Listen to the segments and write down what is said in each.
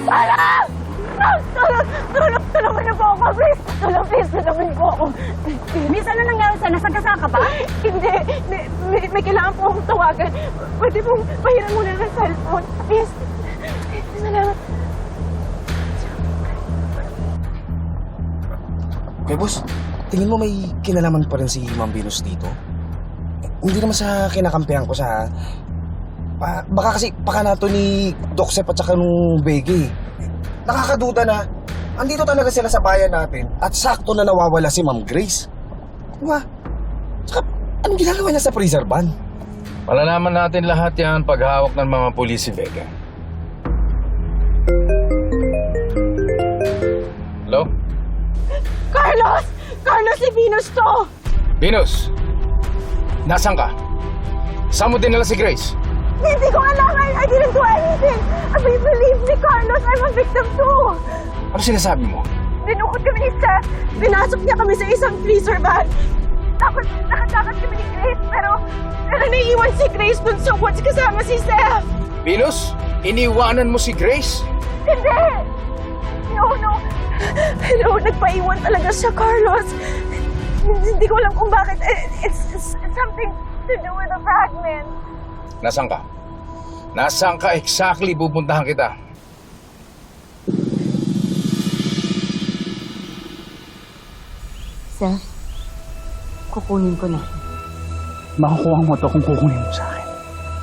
Tulong! Tulungan niyo po ako, please! Please, tulungan niyo po ako. Miss, ano nangyari sa'yo? Nasagasa ka ba? Hindi. May kailangan po akong tawagan. Pwede pong pahiram muna ng cellphone. Please. Salamat. Okay, boss. Tingin mo may kinalaman pa rin si Ma'am Venus dito? Hindi naman sa kinakampihan ko siya, ha? Baka kasi pakanato ni Doc Sep at saka nung Bege. Nakakaduda na andito talaga sila sa bayan natin at sakto na nawawala si Ma'am Grace. Diba? Tsaka, anong ginagawa niya sa freezer van? Malalaman natin lahat yan paghawak ng mga pulis si Vega. Hello? Carlos! Carlos, si Venus to! Venus! Nasaan ka? Saan mo dinala si Grace? Hindi ko alam. I didn't do anything. Believe me, Carlos. I'm a victim too. Ano sinasabi mo? Dinukot kami ni Seth. Pinasok niya kami sa isang freezer van. Tapos nakatakas kami ni Grace. Pero naiiwan si Grace dun sa woods kasama si Seth. Venus? Iniwanan mo si Grace? Hindi! No. Nagpaiwan talaga siya, Carlos. Hindi ko alam kung bakit. It's something to do with the fragment. Nasaan ka? Nasaan ka exactly? Pupuntahan kita. Seth, kukunin ko na. Makukuha mo to kung kukunin mo sa akin.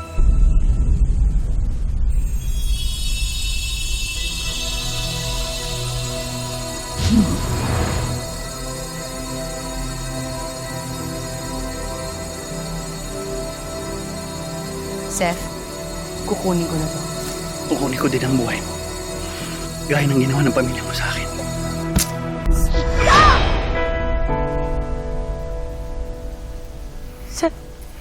Seth, kukunin ko na to. Kukunin ko din ang buhay mo. Gaya ng ginawa ng pamilya mo sa akin. Seth.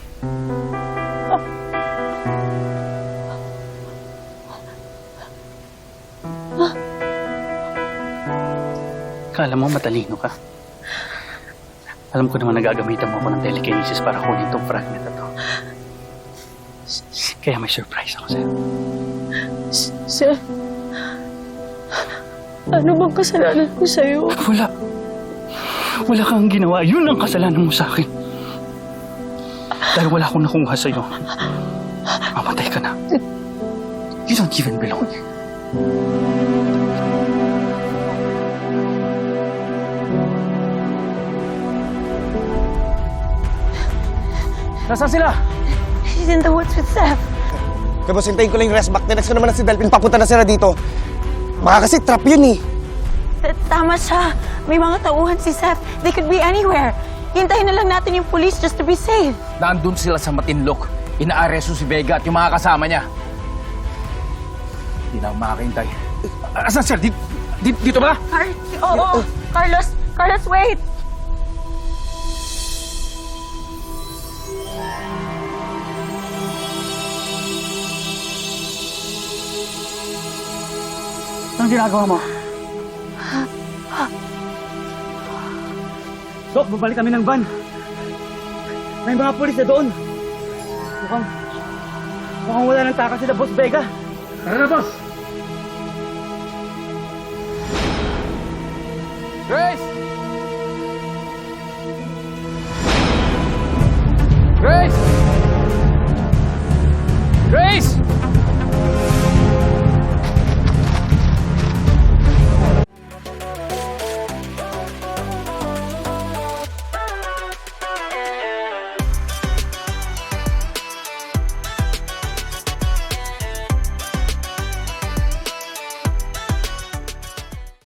Kala mo matalino ka? Alam ko naman nagagamitan mo ako ng telekinesis para kunin itong fragment na to. Kaya may surprise ako sa'yo. Seth. Ano bang kasalanan ko sa'yo? Wala. Wala kang ginawa. Yun ang kasalanan mo sa akin. Dahil wala akong nakuha sa'yo. Mamatay ka na. You don't even belong here. Nasaan sila? He's in the woods with Seth. Kaya boss, hintayin ko lang yung rest back. Tinext ko naman na si Delphin. Papunta na sila dito. Baka kasi trap yun eh. Tama siya. May mga tauhan si Seth. They could be anywhere. Hintayin na lang natin yung police just to be safe. Nandun sila sa Matinlok. Inaaresto si Vega at yung mga kasama niya. Hindi na ako makakahintay. Asan sir? Dito ba? Oo. Carlos, wait. Anong ginagawa mo? Dok, babalik kami ng van. May mga pulis na doon. Mukhang wala ng takas sila, Boss Vega. Tara na, boss!